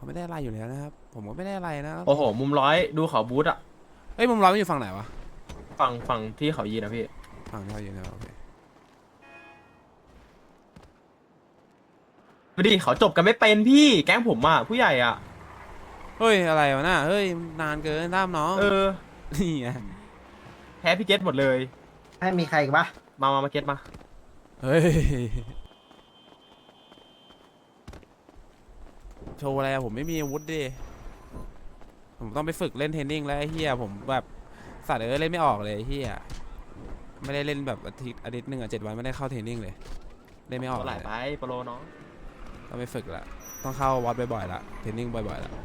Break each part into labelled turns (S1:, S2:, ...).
S1: เขาไม่ได้อะไรอยู่แล้วนะครับผมก็ไม่ได้อะไรนะ
S2: โอ้โหมุมร้อยดูเขาบูธอะ
S1: เอ้ยมุมร้อยมันอยู่ฝั่งไหนวะ
S2: ฝั่งที่เขายีนะพี่
S1: ฝั่งที่เขาอยู่นะโอเค
S2: ดูดิเขาจบกันไม่เป็นพี่แก๊งผมอะผู้ใหญ่อะ
S1: เฮ้ยอะไรวะน่ะเฮ้ยนานเกินตามน้อง
S2: เออ
S1: นี่ไง
S2: แพ้พี่เกตหมดเลย
S3: ให้มีใครอีกปะ
S2: มาเกตมา
S1: เฮ้ยโชว์อะไรอะผมไม่มีอาวุธดิผมต้องไปฝึกเล่นเทรนนิ่งแล้วไอ้เฮียผมแบบสัตว์เล่นไม่ออกเลยไอ้เฮียไม่ได้เล่นแบบอาทิตย์หนึ่ง7 วันไม่ได้เข้าเทรนนิ่งเลยเล่นไม่ออก
S2: ตัวไหล
S1: เลย
S2: ไปโปรน้อง
S1: ต้องไปฝึกละต้องเข้าวัดบ่อยๆละเทรนนิ่งบ่อยๆละ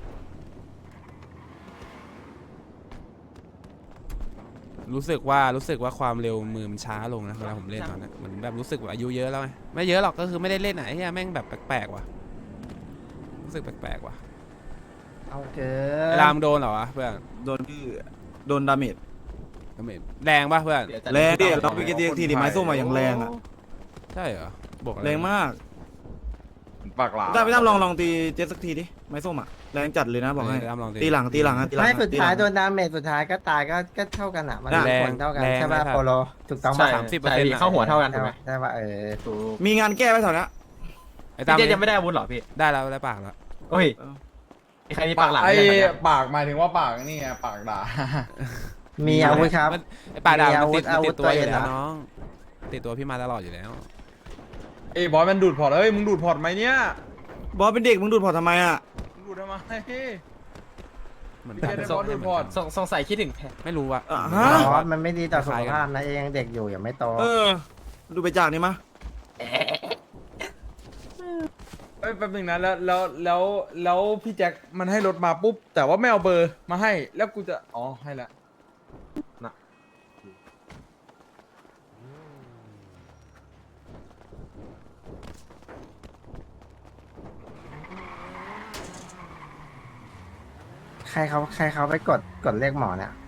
S1: รู้สึกว่าความเร็วมือมันช้าลงนะเวลาผมเล่นตอนนี้เหมือนแบบรู้สึกว่าอายุเยอะแล้วไงไม่เยอะหรอกก็คือไม่ได้เล่นไหนเฮียแม่งแบบแปลกๆว่ะรู้สึกแปลกๆว่ะ
S3: เอาเกิ
S1: ไอ้
S3: น
S1: รามโดนเหรอวะเพื่อน
S4: โดนพี่โดนดาเมจ
S1: แรงป่ะเพื่อน
S4: แรงดิเราไปกินทีดิไม้ส้มมาอย่างแรงอ่ะ
S1: ใช่เหรอบอกอะไร
S4: แรงมาก
S5: ปากหลา
S4: พี่ตั้มลองตีเจ็ตสักทีดิไม้ส้มอ่ะแรงจัดเลยนะบอกให้
S1: ตามลอง
S4: ตีหลังอ่ะตีหลัง
S3: ไม่สุดท้ายโด
S4: ตีหลัง
S3: นดาเมจสุดท้ายก็ตายก็เท่ากันอ่ะมัน
S1: แรง
S3: ผลเท่ากัน
S1: แรง
S3: ใช่ป่ะ
S1: ไม่
S3: โปโลถูกต้อง
S2: ใช่
S3: ป่ะ
S2: ใช่พี่เข้าหัวเท่ากันถูกไหม
S3: ใช่ป่ะ
S2: ถูก
S4: มีงานแก้ไว้แถวนี้
S1: ไอ้ตาม
S2: พี่เกตยังไม่ได้อาวุธเหรอพี่
S1: ได้แล้วได้ปากแล้ว
S2: โอ้ยมีใครมีปากหลาม
S5: ไอ้
S2: ไหมเนี่ย
S5: ปากหมายถึงว่าปากนี่ไงปากด่า
S3: มีอาวุธครับ
S1: ไอ้ปากดาบ
S3: มี
S1: มัน
S3: อาวุ
S1: ติ
S3: ธ
S1: ดมันติดตัวอยู่
S3: อาวุธตัวเอง
S1: แล้ว
S3: เหรอ
S1: น้องติดตัวพี่มาตลอดอยู่แล้ว
S5: ไอ้บอยมันดูดพอร์ตเอ้ยมึงดูดพอร์ตไหมเนี่ย
S4: บอสเป็นเด็กมึงดูดพอร์ตทำไมอ่ะ
S5: มึงดูดทำไม
S1: เหมือน
S5: พี่เกดได้บอสดูดพอร์ต
S2: สงสัยคิดถึงแพ้
S1: ไม่รู้อะ
S4: ฮะ
S3: อ๋อมันไม่ดีต่อสุขภาพนะเองยังเด็กอยู่ยังไม่โต
S4: ดูไปจากนี่มะ
S5: เอ้ยแป๊บนึงนะแล้วพี่แจ็คมันให้รถมาปุ๊บแต่ว่าไม่เอาเบอร์มาให้แล้วกูจะอ๋อให้ละ
S3: ใครเขาไปกดเลขหมอเนี่ย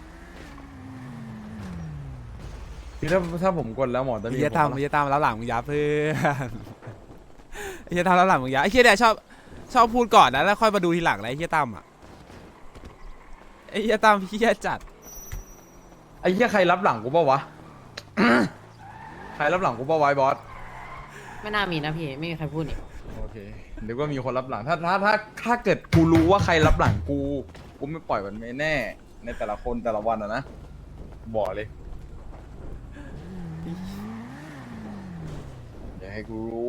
S5: คือถ้าผมกดแล้วหมอจะ
S1: ไอ้
S5: มี
S1: เหี้ย
S5: ผม
S1: ตามไอ้เหี้ยตามแล้วหลังมึงยับเพื่อนไอ้เหี้ยตามแล้วหลังมึงยับไอ้เหี้ยเนี่ยชอบพูดก่อนนะแล้วค่อยมาดูทีหลังนะไอ้เหี้ยตามอะไอ้เหี้ยตามเหี้ยจัด
S5: ไอ้เหี้ยใครรับหลังกูเปล่าวะ ใครรับหลังกูเปล่าวะไอ้บอส
S6: ไม่น่ามีนะพี่ ไม่มีใครพูดนี่
S5: โอเคเดี๋ยวก็มีคนรับหลังถ้าเกิดกูรู้ว่าใครรับหลังกูไม่ปล่อยมันไม่แน่ ในแต่ละคนแต่ละวันนะบอกเลยอย่าให้กูรู้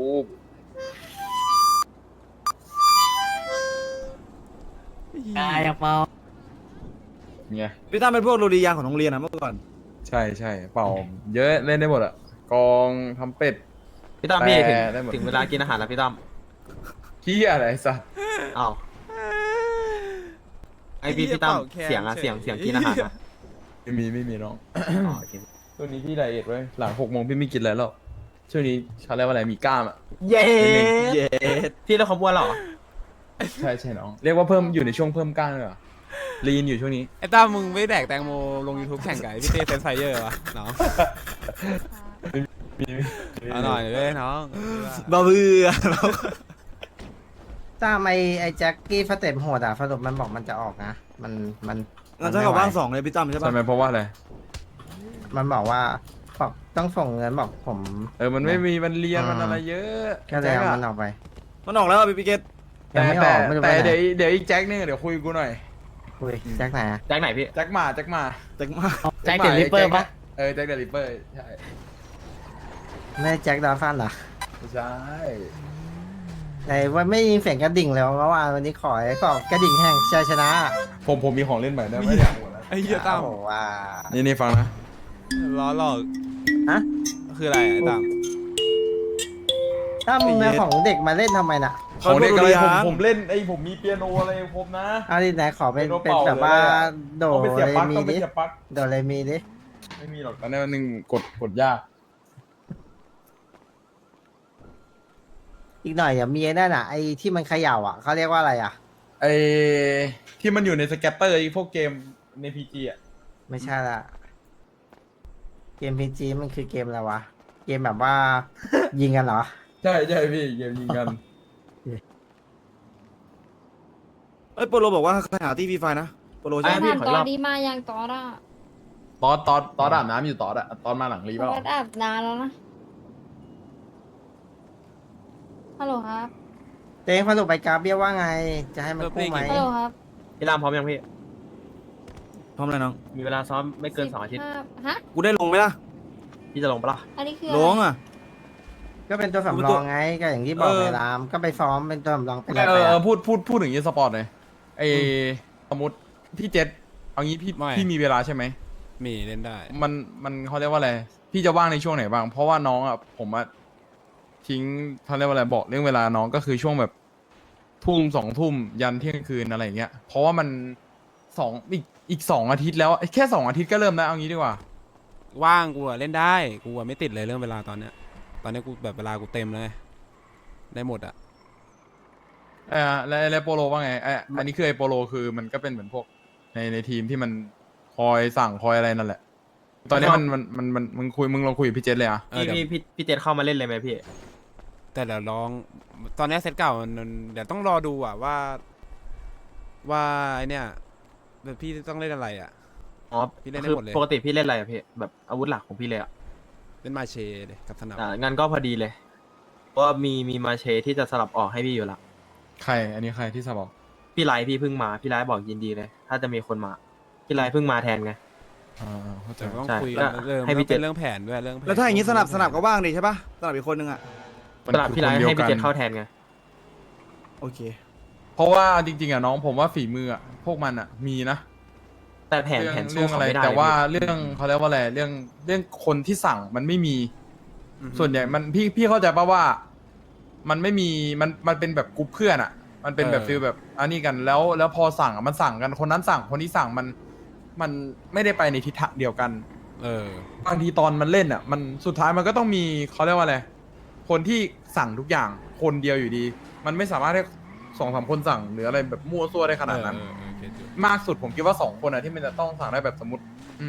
S6: อยากเปล่า
S5: เนี่ย
S4: พี่ตั้มเป็นพวกโรดียางของโรงเรียนอ่ะเมื่อก่อน
S5: ใช่เป่าเยอะเล่นได้หมดอะกองทำเป็ด
S2: พี่ตั้มพี่
S5: แต่ได้หมด
S2: ถึงเวลากินอาหารแล้วพี่ตั้ม
S5: ขี้อะไรสัส
S2: อ้าวไอพี่ตั้มเสียงกินอาหารอะ
S5: ไม่มีน้อง
S2: อ๋อโอเค
S5: ช่วงนี้พี่ไดเอทไว้หลัง6 โมงพี่ไม่กินอะไรแล้วช่วงนี้เขาเรียกว่าอะไรมีกล้ามอะ
S2: เย้
S4: เย้
S2: พี่แล้วเขาบ้วนเหรอ
S5: ใช่น้องเรียกว่าเพิ่มอยู่ในช่วงเพิ่มกล้ามเลยเหรอลีนอยู่ช่วงนี้
S1: ไอ้ตามมึงไม่แดกแตงโมลง YouTube แข่งกับไอ้พี่เต้เซนไฟเยอร์วะน้องเอาหน่อยเลยน้อง
S4: บ้าเบื่อ
S3: ตามไอ้แจ็คกี้สเต็ปโหดอ่ะสรุปมันบอกมันจะออกนะมัน
S4: งั้นเท่ากับว่าง2เลยพี่ตั้มใช่ปะ
S5: ใช่ไหมเพราะว่าอะไร
S3: มันบอกว่าบอกต้องส่งเงินบอกผม
S5: มันไม่มีมันเรียนมันอะไรเยอะ
S3: ก็เลยเอามันออกไป
S4: มันออกแล้วอ่ะพี่เกต
S3: ยังไม่ออกไม่รู้
S5: แต่
S3: ไปไหน
S5: เดี๋ยวอีกแจ็คนึงเดี๋ยวคุยกูหน่อย
S3: คุยแจ็คไหนอะ
S2: แจ็คไหนพี่
S5: แจ็คมา
S4: แจ็คมา
S2: แจ็คเดลิเปอร์ปะ
S5: แจ็คเดลิเปอร์ใช่
S3: ไม่ใช่แจ็คดาฟันเหรอ
S5: ไม่ใช่
S3: ไหนว่าไม่ยินเสียงกระดิ่งเลยเมื่อวานวันนี้ขอกระดิ่งแห่งชัยชนะ
S5: ผมมีของเล่นใหม่ได้ไม่อยากหมดแล้ว
S1: ไอ้เหี้ยตาม
S3: โอ้โหว่า
S5: นี่ฟังนะ
S1: ล้อหลอก
S3: ฮะ
S1: คืออะไรไอ้ตาม
S3: ถ้ามึงเอาของเด็กมาเล่นทำไมน่ะ
S5: ของเด็กอะไรผมเล่นผมมีเปียโนอะไรครบนะ
S3: เอาดิไหนขอเป็น
S5: เป็นโนเป่า
S3: แบบว่า
S5: เลยอะ
S3: โด
S5: ต้องไปเสียบ
S3: เร
S5: ปลั๊ก
S3: มี
S5: ต้องไป
S3: ดิ
S5: เสียบปลั๊ก
S3: โดเรมีดิ
S5: ไม่มีหรอกตอนนี้มันหนึ่งกดยาก
S3: อีกหน่อยอย่ามีไอ้นั่นอ่ะไอ้ที่มันเขย่าอ่ะเขาเรียกว่าอะไรอ่ะ
S5: ไอ้ที่มันอยู่ในสแกตเตอร์ไอ้พวกเกมในพีจีอ่ะ
S3: ไม่ใช่ละเกมพีจีมันคือเกมอะไรวะเกมแบบว่า ยิงกันเหรอ
S5: ใช่พี่เกมยิงกัน
S4: เอ้ยโปโลบอกว่าให้หาที่ฟรีไฟนะโปโล
S2: ไอ้
S4: ใช่ไหม
S2: พี่
S7: ถาม
S2: ขอ
S7: ต
S2: อีกร
S7: อ
S2: อน บ
S7: นี้มายังตอนอ่ะ
S5: ตอนอาบน้ำอยู่ตอนอะตอนมาหลังรี
S7: ต
S5: เปล่า
S7: อนอาบน้ำแล้วนะฮัลโหลครับ
S3: เต้งพอสุไปกราฟเบี้ยว่าไง จะให้มันกู้ไหม
S7: ฮัลโหลครับ
S2: พี่รามพร้อมยังพี่
S4: พร้อมเลยน้อง
S2: มีเวลาซ้อมไม่เกิน2 อาทิตย์
S7: 15ฮะ
S4: กูได้ลงไหมล่ะ
S2: พี่จะลงปะล่ะ
S7: อันนี้คือ
S4: ล
S7: อะไร
S4: งอ่ะ
S3: ก็เป็นตัวสำรองไงก็อย่างที่บอกในรามก็ไปซ้อมเป็นตัวสำรองไปเลย
S5: เอ
S3: ไป
S5: อ
S3: อะ
S5: พูดถึงยีสปอร์ตหน่อยไอสมมติพี่เจษเอางี้พี่มีเวลาใช่ไหม
S1: มีเล่นได้
S5: มันเขาเรียกว่าอะไรพี่จะว่างในช่วงไหนบ้างเพราะว่าน้องอ่ะผมอ่ะทิ้งเขาเรียกว่าอะไรบอกเรื่องเวลาน้องก็คือช่วงแบบทุ่ม2 ทุ่มยันเที่ยงคืนอะไรอย่างเงี้ยเพราะว่ามันอีก2 อาทิตย์แล้วแค่2 อาทิตย์ก็เริ่มแล้วเอางี้ดีกว่า
S1: ว่างกูอะเล่นได้กูอะไม่ติดเลยเรื่องเวลาตอนเนี้ยกูแบบเวลากูเต็มเลยได้หมดอะ
S5: แล้วโปโลว่าไงอันนี้คือไอโปโลคือมันก็เป็นเหมือนพวกในทีมที่มันคอยสั่งคอยอะไรนั่นแหละ ตอนนี้มึงลองคุยกับพี่เจษเลยอ่ะ
S2: พี่
S1: เดี๋ยว
S2: พี่เจนเข้ามาเล่นเลยไหมพี่
S1: แต่เดี๋ยวลองตอนเนี้ยเซตเก่ามันเดี๋ยวต้องรอดูอะว่าไอเนี้ยแบบพี่ต้องเล่นอะไรอะ
S2: อ๋อ
S1: พี่เล่นได้
S2: คือ
S1: หมดเลย
S2: ปกติพี่เล่นอะไรอะพี่แบบอาวุธหลักของพี่เลยอะ
S1: เล่นมาเชเลยกับสนับ
S2: งั้นก็พอดีเลยเพราะว่ามีมาเชที่จะสลับออกให้พี่อยู่ละ
S5: ใครอันนี้ใครที่สบอก
S2: พี่ไลท์พี่เพิ่งมาพี่ไลท์บอกยินดีเลย ถ้าจะมีคนมาพี่ไลท์เพิ่งมาแทนไง
S5: เข้าใจ
S1: แต่ต้อง
S2: ใช่
S1: คุย
S2: แล้ว
S1: เรื่อง
S2: ให้พี่
S1: มันเป็น
S2: เจ
S1: เรื่องแผนด้วยเรื่องผน
S4: แล้วถ้าอย่างงี้สนับก็ว่างดิใช่ปะสนับอีกคนนึงอ่ะ
S2: สลับพี่ไลท์ให้พี่เจนเข้าแทนไง
S4: โอเค
S5: เพราะว่าจริงๆอ่ะน้องผมว่าฝีมืออ่ะพวกมันอ่ะมีนะ
S2: แต่แผน
S5: เรื่อง
S2: สู้
S5: เรื่อง
S2: เขา
S5: อะไร
S2: ไม่ได้
S5: แต่ว่า
S2: เลย
S5: เรื่องเขาเรียกว่าอะไรเรื่องคนที่สั่งมันไม่มี
S1: อือฮึ
S5: ส่วนใหญ่มันพี่เข้าใจป่ะว่า มันไม่มีมันเป็นแบบกรุ๊ปเพื่อนอ่ะ มันเป็นแบบฟีลแบบอันนี้กันแล้วพอสั่งอ่ะมันสั่งกันคนนั้นสั่งคนนี้สั่งมันไม่ได้ไปในทิศทางเดียวกัน บางทีตอนมันเล่นอ่ะ มันสุดท้ายมันก็ต้องมีเขาเรียกว่าอะไรคนที่สั่งทุกอย่างคนเดียวอยู่ดี มันไม่สามารถให้2-3 คนสั่งหรืออะไรแบบมั่วซั่วได้ขนาดนั้น
S1: เก็ตอยู่
S5: มากสุดผมคิดว่า2 คนอะที่มันจะต้องสั่งได้แบบสมมติ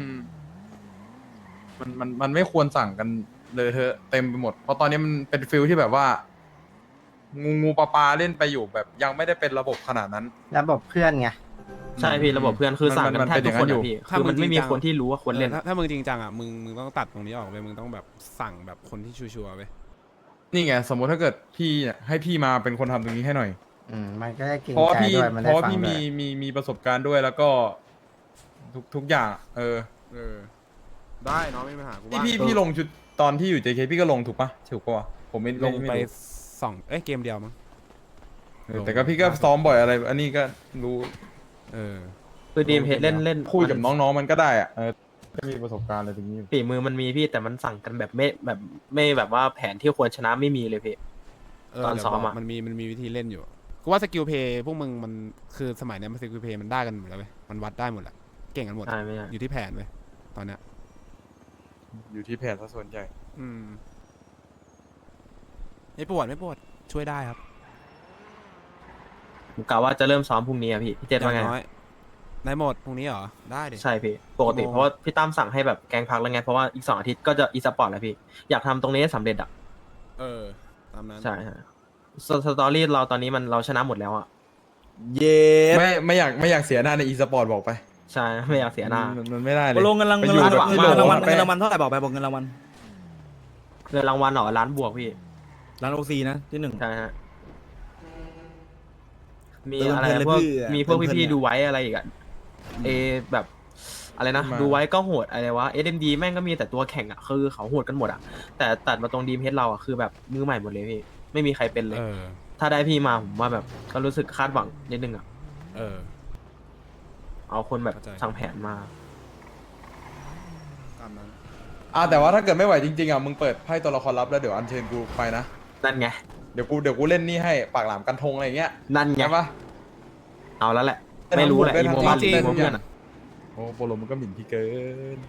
S5: มันไม่ควรสั่งกันเลยเธอะเต็มไปหมด เพราะตอนนี้มันเป็นฟิลที่แบบว่า งูปลาเล่นไปอยู่แบบยังไม่ได้เป็นระบบขนาดนั้น
S3: ระบบเพื่อนไง
S2: ใช่พี่ระบบเพื่อนคือสั่งกัน
S5: มัน
S2: แทบ
S5: เป็นอ
S2: ทุ
S5: ย่าก งนั้นอยู่
S2: คนอะพี่คือมันไม่มีคนที่รู้ว่าควรเล่น
S1: ถ้ามึงจริงจังอ่ะมึงต้องตัดตรงนี้ออกไปมึงต้องแบบสั่งแบบคนที่ชัวร์ๆไป
S5: นี่ไงสมมติถ้าเกิดพี่เนี่ยให้พี่มาเป็นคนทำตรงนี้ให้หน่อย
S3: มันก็ได้เก่ง
S5: เพราะว่า
S3: ใจ
S5: พี่
S3: ด้วยมัน
S5: เพ
S3: ได้
S5: ราะว่า
S3: ฟัง
S5: พี่
S3: ด้ว
S5: มี
S3: ย
S5: มีประสบการณ์ด้วยแล้วก็ทุกอย่าง
S1: ได้เนาะไม่มีปัญหากู
S5: นี่
S1: ว่า
S5: พี่ลงชุดตอนที่อยู่ JK พี่ก็ลงถูกปะถูกปะวะผมไม่
S1: ลง
S5: ไม่
S1: ไป
S5: รู้
S1: เกมเดียวมั้ง
S5: แต่ก็พี่ก็ซ้อมบ่อยอะไร อันนี้ก็รู้
S2: คือดีมเฮดเล่น
S5: คุยกับน้องๆมันก็ได้อะก็มีประสบการณ์อะไรตรงนี้อยู่
S2: ฝีมือมันมีพี่แต่มันสั่งกันแบบไม่แบบว่าแผนที่ควรชนะไม่มีเลยพี่ ตอนซ้อมอะ
S1: มันมีวิธีเล่นอยู่กูว่าสกิลเพย์พวกมึงมันคือสมัยเนี้ยมันสกิลเพย์มันได้กันหมดแล้วเว้ยมันวัดได้หมดแหละเก่งกันหมด
S2: ใช่ไม่ใช่
S1: อยู่ที่แผนเว้ยตอนเนี้ย
S5: อยู่ที่แผนซะส่วนใหญ่
S1: ไม่ปวดช่วยได้ครับ
S2: ผมกะว่าจะเริ่มซ้อมพรุ่งนี้อะพี่เจนว่าไง
S1: น้อยในหมดพรุ่งนี้เหรอได้ดิ
S2: ใช่พี่ปกติเพราะว่าพี่ตั้มสั่งให้แบบแกงพักแล้วไงเพราะว่าอีก2 อาทิตย์ก็จะอีสปอร์ตแล้วพี่อยากทำตรงนี้ให้สำเร็จอ่ะ
S1: ตามนั้น
S2: ใช่ฮะสตอรี่เราตอนนี้เราชนะหมดแล้วอ่ะ
S4: เย้
S5: ไม่อยากเสียหน้าในอีสปอร์ตบอกไป
S2: ใช่ไม่อยากเสียหน้า
S5: มันไม่ได้เล
S4: โป
S5: ย
S4: โลเงินราง
S5: ไป
S4: วัล
S5: อยู่แบบ
S2: ที่
S4: เงินรางวัล
S5: โล
S4: เงินรางวัลเท่าไหร่บอกไปบอกเงินรางวัล
S2: เงินรางวัลเหรอล้านบวกพี่
S4: ร้านโอซีนะที่ 1
S2: ใช่ฮะมี
S4: เติม
S2: อะไร
S4: เพลินเลย
S2: พวก
S4: พี่อะ
S2: มีพวก
S4: เติมเพลิน
S2: พี่
S4: อะ
S2: ๆดูไว้อะไรอีกอ่ะแบบอะไรนะ
S5: มา
S2: ดูไว้ก็โหดอะไรวะ SMD แม่งก็มีแต่ตัวแข่งอ่ะคือเขาโหดกันหมดอ่ะแต่ตัดมาตรงดีมเฮดเราอ่ะคือแบบมือใหม่หมดเลยพี่ไม่มีใครเป็นเลย ถ้าได้พี่มาผมว่าแบบก็รู้สึกคาดหวังนิดนึงอ่ะเอาคนแบบ
S1: เข้าใจ
S2: สั่งแผนมา
S1: ตามนั้น
S5: แต่ว่าถ้าเกิดไม่ไหวจริงๆมึงเปิดไพ่ตัวละครลับแล้วเดี๋ยวอัญเชิญกูไปนะ
S2: นั่นไง
S5: เดี๋ยวกูเล่นนี่ให้ปากหลามกันทงอะไรอย่างเงี้ย
S2: นั่นไง
S5: ใช่ปะ
S2: เอาแล้วแหละ ไม่รู้แหละ
S5: ได้
S2: อี
S5: ทั้ง
S2: โม
S5: หมด
S2: บ้าน
S5: ได้
S2: อี
S5: ทั้งหมด
S2: โมเพื่อนอะ
S5: โอ้โปโลมันก็หมิ่นพี่เกิน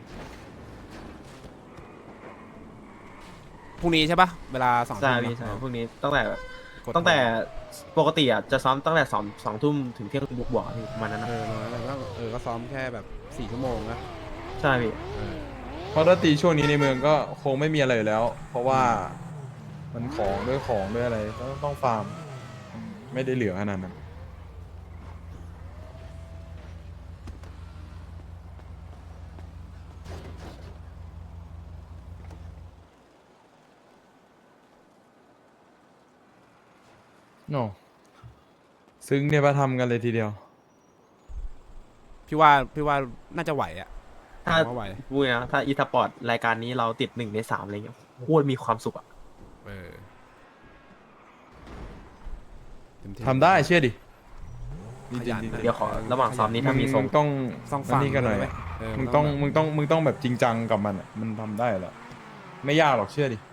S1: พรุ่งนี้ใช่ปะเวลา2
S2: ใช่
S1: ทุ่ม
S2: พี่ใช่
S1: เนอะ
S2: พวกนี้ตั้งแต่
S1: กด
S2: ตั้งแต่ปกติอ่ะจะซ้อมตั้งแต่2 ทุ่มถึงเที่ยงคืนบวกๆอะพี่ประมาณนั้นนะ
S1: ก็ซ้อมแค่แบบ4 ชั่วโมงนะ
S2: ใช่พี่
S5: เพราะถ้าตีช่วงนี้ในเมืองก็คงไม่มีอะไรอยู่แล้ว เพราะว่ามันของด้วยอะไรต้องฟาร์มไม่ได้เหลือขนาดนั้นโน่ซึ้งเนี่ยมาทำกันเลยทีเดียว
S1: พี่ว่าน่าจะไหวอ่ะ
S2: ถ้า
S1: ผมว่าไหว
S2: พูดนะถ้าอีสปอร์ตรายการนี้เราติด1 ใน 3อะไรเงี้ยโคตรมีความสุขอะ
S1: เออเต็มที่
S5: ทำได้เชื่อดิ
S1: ขยัน
S2: เดี๋ยวขอระหว่างซ้อมนี้ถ้ามีทรง
S5: มึงต้อง
S1: ต้องฟัง
S5: นี่กันหน่อย
S1: ด้วยไหม
S5: อะ
S1: เออ
S5: มึงต้องแบบจริงจังกับมันอะมันทำได้แหละไม่ยากหรอกเชื่อดิ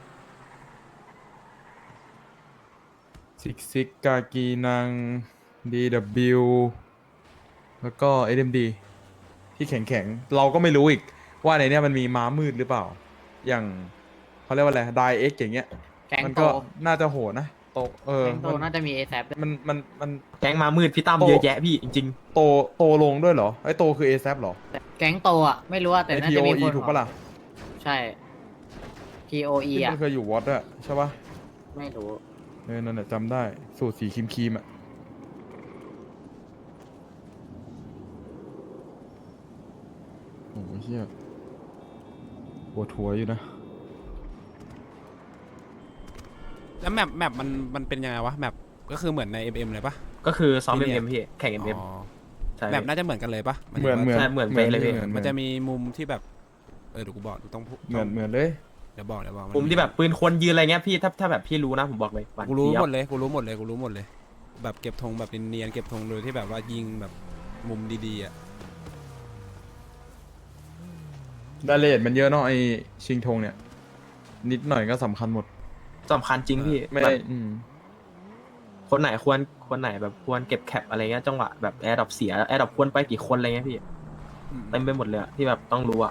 S5: ซิกกากีนัง DW แล้วก็ SMD ที่แข็งๆ เราก็ไม่รู้อีกว่าในเนี้ยมันมีม้ามืดหรือเปล่า อย่างเขาเรียกว่าอะไรไดเอ็กอย่างเงี้ย
S6: แก๊ง
S5: มัน
S6: โต
S5: ก็น่าจะโหดนะโต
S6: แก๊งโตน่าจะมีเอแซด้วย
S5: มัน
S2: แก๊งมามืดพี่ตั้ม
S5: โต
S2: เยอะแยะพี่จริง
S5: โตลงด้วยเหรอไอ้โตคือ ASAP เหรอ
S6: แก๊งโตอ่ะ ไม่รู้ว่าแต่
S5: ไอ้
S6: น่าจะมี
S5: TOE
S6: คน
S5: ถูกปะล่ะ
S6: ใช่ TOE
S5: ที่
S6: อ่ะ
S5: มันเคยอยู่วอตอะใช่ปะ
S6: ไม่รู้
S5: นั่นแหละจำได้ สูตรสีครีมๆอะโอ้โหเชี่ยปวดหัวอยู่นะ
S1: แล้วแมปมันเป็นยังไงวะแมปก็คือเหมือนใน MM เลยปะ
S2: ๆ ก็คือซ้อม
S1: ที่เนี่ย
S2: MM พี่แข่ง MM
S1: อ๋อ
S2: ใช่
S1: แมปน่าจะเหมือนกันเลยปะ
S5: เหมือน
S2: ใช่เหมือนเป๊ะเลยพี่
S1: มันจะมีมุมที่แบบเดี๋ยวกูบอกต้องพูด
S5: เหมือนเลย
S1: เดี๋ยวบอกน
S2: มุมที่แบบปืนคนยืนอะไรเงี้ยพี่ถ้าแบบพี่รู้นะผมบอกเลยหวาน
S1: กูรู้
S2: เจี๊ยบ
S1: หมดเลยกูรู้หมดเลย แบบเก็บธงแบบเนียนๆเก็บธงโดยที่แบบว่ายิงแบบมุมดีๆอ่ะ
S5: รายละเอียดมันเยอะเนาะไอชิงธงเนี่ย นิดหน่อยก็สำคัญหมด
S2: สำคัญจริงพี่
S5: ไม่
S2: แบ
S5: ได้
S2: บ
S5: อืม
S2: คนไหนคนไหนแบบควรเก็บแคปอะไรเงี้ยจังหวะแบบแอร์ดรอปเสียแอร์ดรอปควรไปกี่คนอะไรเงี้ยพี่เต็มไปหมดเลยอะที่แบบต้องรู้อะ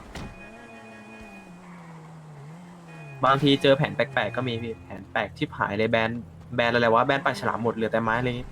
S2: บางทีเจอแผนแปลกๆก็มีพี่แผนแปลกชิบหายเลยแบนอะไรวะแบนปลาฉลามหมดเหลือแต่ไม้อะไรเงี้ย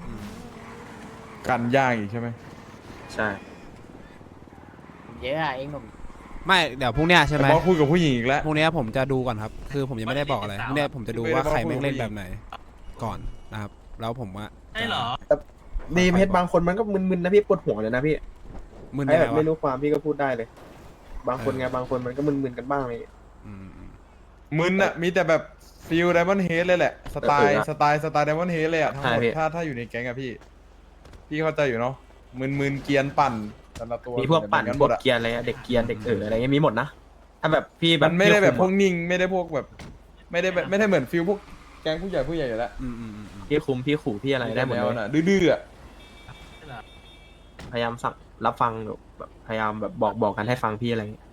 S5: กันย่างอีกใช่ไหม
S2: ใช่
S6: เยอะอะเองหนุ่ม
S1: ไม่เดี๋ยวพรุ่งเนี้ยใช่ไหม
S5: แต่บอสคุยกับผู้หญิงอีกแล้ว
S1: พรุ่งเนี้ยผมจะดูก่อนครับ คือผมยังไม่ได้บอกอะไรพรุ่งเนี้ยผมจะดูว่าใครแม่งเล่นแบบไหนก่อนนะครับแล้วผมว่าใช่เหรอ
S2: ดีเพชรบางคนมันก็มึนๆนะพี่ปวดหัวเลยนะพี่
S1: มึน
S2: ไอ้
S1: ยัง
S2: แบ
S1: ไง
S2: บ
S1: วะ
S2: ไม่รู้ความพี่ก็พูดได้เลย บางคนไงบางคนมันก็มึนๆกันบ้างเลย
S1: อืม
S5: มึนอะมีแต่แบบฟิลไดมอนด์เฮดเลยแหละ สไตล์ไดมอนด์เฮดเลยอะทั้งหมดถ้าอยู่ในแก๊งอะพี่เข้าใจอยู่เนาะมึนเกรียนปั่นแต่ละตัว
S2: มีพวกปั่น
S5: เหมือ
S2: พวก
S5: หมดอะ
S2: เกียร์อะไรอะเด็กเกียร์เด็กอะไรเงี้ยมีหมดนะถ้าแบบพี่แบบ
S5: มันไม่ได้แบบพวก
S2: พี่
S5: นิ่งไม่ได้พวกแบบ ไม่ได้เหมือนฟิลพวกแก๊งผู้ใหญ่อยู่แล้ว
S1: อืม
S2: พี่คุมพี่ขู่พี่อะไรได้หมด
S5: แน
S2: เล
S5: วย น่ะดื้อๆอะ
S2: พยายามสั่งรับฟังแบบพยายามแบบบอกกันให้ฟังพี่อะไรเงี้ย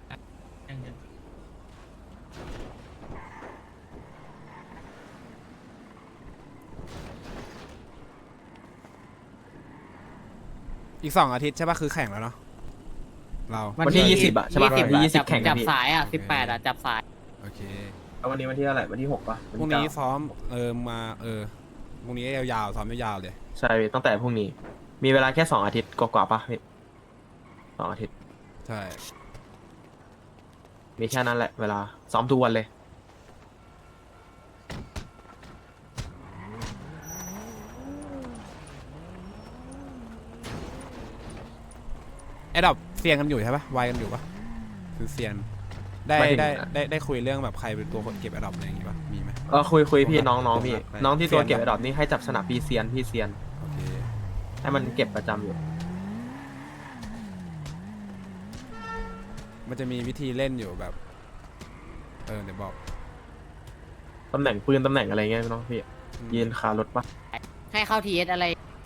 S1: อีก2 อาทิตย์ใช่ปะคือแข่งแล้วเนาะเรา
S2: วันที่20อะใช่ปะวันที่20แข่ง
S6: จั
S2: กับ พี่
S6: สายอ่ะ18อ่ะจับสาย
S1: โอเค
S2: แล้ววันนี้วันที่อะไรวันที่6ป่ะ
S1: พรุ่งนี้ซ้อมมาพรุ่งนี้ยาวๆซ้อมยาวๆเลย
S2: ใช่พี่ตั้งแต่พรุ่งนี้ มีเวลาแค่2 อาทิตย์กว่าๆป่ะพี่2 อาทิตย์
S1: ใช่
S2: มีแค่นั้นแหละเวลาซ้อมทุกวันเลย
S1: ไอ้ดอกเซียนกันอยู่ใช่ปะไวกันอยู่ปะคือเซียนได้คุยเรื่องแบบใครเป็นตัวคนเก็บไอ้ดอกอะไรอย่างงี้ปะมีไหม
S2: คุยพี่น้องพี่
S1: ไป
S2: น้องที่ตัว
S1: เซียน
S2: เก็บไอ้ดอกนี่ให้จับสนับพี่เซียน
S1: โอเค
S2: ให้มันเก็บประจำอยู่
S1: มันจะมีวิธีเล่นอยู่แบบเดี๋ยวบอก
S2: ตำแหน่งปืนตำแหน่งอะไรเงี้ยน้องพี่ยืนคารถปะ
S6: ให้เข้าทีเอสอะไร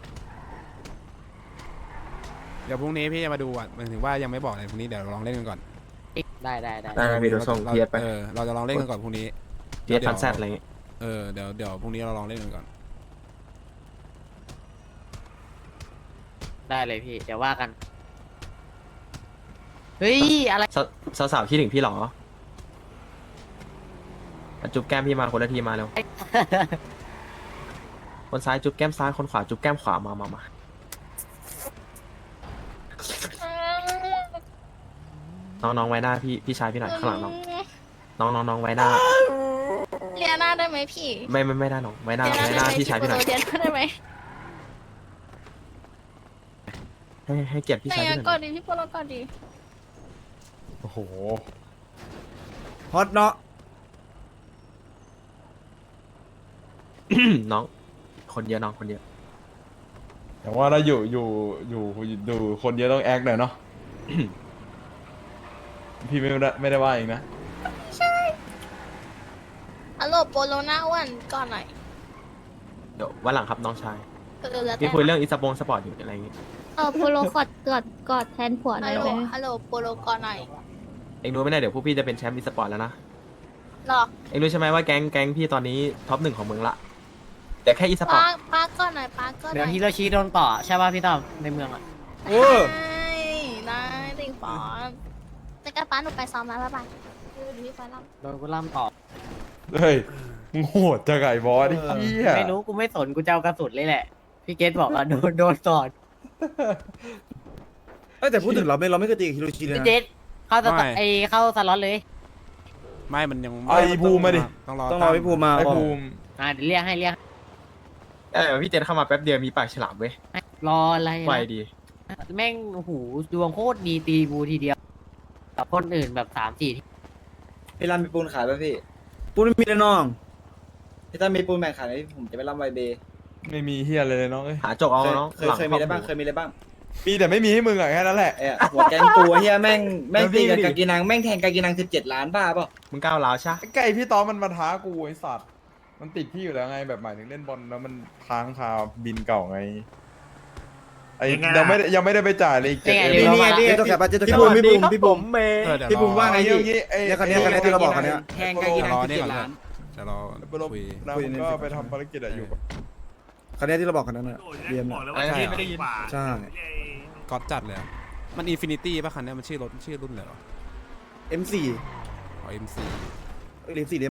S1: เดี๋ยวพรุ่งนี้พี่จะมาดูอ่ะหมายถึงว่ายังไม่บอกเลยพรุ่งนี้เดี๋ยวเราลองเล่นกันก่อน
S6: ได้
S2: ได้ไหมพี่เดี๋ยวส่ง
S1: เรา
S2: เพียไป
S1: เราจะลองเล่นกันก่อนพรุ่งนี้
S2: เพียพันแซดอะไรเงี้ย
S1: เดี๋ยวพรุ่งนี้เราลองเล่นกันก่อน
S6: ได้เลยพี่ เดี๋ยวว่ากัน เฮ้ย อะไร
S2: สาวๆคิดถึงพี่เหรอจุ๊บแก้มพี่มาคนละทีมาเร็ว คนซ้ายจุ๊บแก้มซ้ายคนขวาจุ๊บแก้มขวามาน้องไว้หน้าพี่ชายพี่หน่อยข้างหลังน้องไว้หน้า
S7: เลียหน้าได้ไหมพี่
S2: ไม่ได้น้องไว้หน้าพี่ชายพี่หน่อย
S7: เลียหน้าได้ไหม
S2: ให้เกียรติพี่
S7: ไหน
S2: ชายพี่
S7: อะ
S2: หน่
S7: ก่อ
S2: อน ย
S7: ดีพี่โปรก่อนดี
S5: โอ้โห
S4: ฮอตเนาะ
S2: น้องคนเยอะน้องคนเยอะ
S5: อย่างว่าถ้าอยู่คนเยอะต้องแอคหน่อยเนาะ พี่ไม่ได้ว่าเองนะ
S7: ฮัลโหลโปโลหน้าอ้วนก่อนหน่อย
S2: เดี๋ยววันหลังครับน้องชาย
S7: แล้วแต่
S2: พี่คุยเรื่องอีสปสปอร์ตอยู่อะไรอย่างงี้
S8: โปโลกอดแทนผัวหน่
S7: ฮั
S8: อ
S7: ล
S8: ย
S7: โหล
S8: ไหม
S7: ฮัลโหลโปโลก่อนหน่อย
S2: เองรู้ไหมเนี่ยเดี๋ยวพวกพี่จะเป็นแชมป์อีสปอร์ตแล้วนะ
S7: หรอ
S2: เองรู้ใช่ไหมว่าแก๊งพี่ตอนนี้ท็อป1ของเมืองละแต่แค่อีสปอร์ต
S7: ป้าก่อนหน่อยป้าก่อนห
S6: เดี๋ย
S7: น่
S6: ว
S7: อย
S6: ฮิโรชิโดนต่อใช่ป่ะพี่ต้อมในเมืองอ่ะ
S4: โอ้
S7: ได้ติงฟอนจะกระป้าหนูไปซ้อมแล้วบ๊ายบายดูพี่ไฟลับ
S6: โดนกูล่ำต่อ
S5: เฮ้ย มึงโหดจังไงบอสไอ้เหี้ย
S6: ไม่รู้กูไม่สนกูจะเอากระสุนเลยแหละ พี่เกตบอกว่าโดนต่อ
S4: เอ้ยแต่พูดถึงเราไม่เคยตีกับฮิโรชิเลย
S6: พี่
S4: นะ
S6: เจตเข้าส
S1: ไม่
S6: เข้าสล็อตเลย
S1: ไม่มันยัง
S5: ไอ้ภูมิมาดิ
S4: ต้องรอพี่ภูมิมา
S5: ไอ้ภูมิ
S6: เดี๋ยวเรียกให้
S2: พี่เจนเข้ามาแป๊บเดียวมีปากฉลามเว้ย
S6: รออะไร
S2: ไว
S6: นะ
S2: ดี
S6: แม่งโอ้โหดวงโคตรดีตีบูทีเดียวกับคนอื่นแบบ3-4ที่
S9: พี่รันมีปูนขายป่ะพี่
S4: ปูนไม่มีเลยน้อง
S9: พี่ตั้มมีปูนแบ่งขายไหมผมจะไปรับไวเบย์
S5: ไม่มีเฮียอะไรเลยน้องเอ้ย
S2: หาจกเอาน้อง
S9: เคยมีอะไรบ้างเคยมีอะไรบ้าง
S5: มีแต่ไม่มีให้มึงอะแค่นั้นแหละ
S9: เอ้ยหัวแกงปูเฮียแม่งตีกับ
S2: แล้วพี่
S9: กากินังแม่งแทงกากินัง17 ล้านบ้าเปล่า
S2: มึงก้าวร้าวใช่
S5: ไก่พี่ตอมมันมาท้ากูไอ้สัตว์ มันติดพี่อยู่แล้วไงแบบหมายถึงเล่นบอลแล้วมันค้างคาบินเก่าไง ไอ้ยังไม่ได้ไปจ่ายเลยอีก
S6: นี่ไง
S5: 7
S6: เดี๋ยว
S4: เจ๊ตัวแคปเจ๊ตัวแค
S2: พี่
S4: ป
S2: ภูมิ
S4: พี่ภูมิว่าไง
S5: ไอ้
S4: พี่
S5: เงี้ยไอ้
S4: เนี่ยคันนี้ที่เราบอกคันนี้
S9: แทงกากินัง17 ล้าน
S1: จะรอ
S5: ไปลบ
S1: คุย
S5: นะผมก็ไปทำภารกิจอะอยู่
S4: คันนี้ที่เราบอกคันนั้นน่ะเรียมน่ะ
S2: อะไรนะพี่ไม่ได้ยิน
S4: ใช่
S1: ก๊อตจัดเลยอะมันอินฟินิตี้ป่ะคันเนี้ยมันชื่อรถชื่อรุ่นเลยเหรอ
S4: M4
S1: อ๋อ MC
S4: เรียม4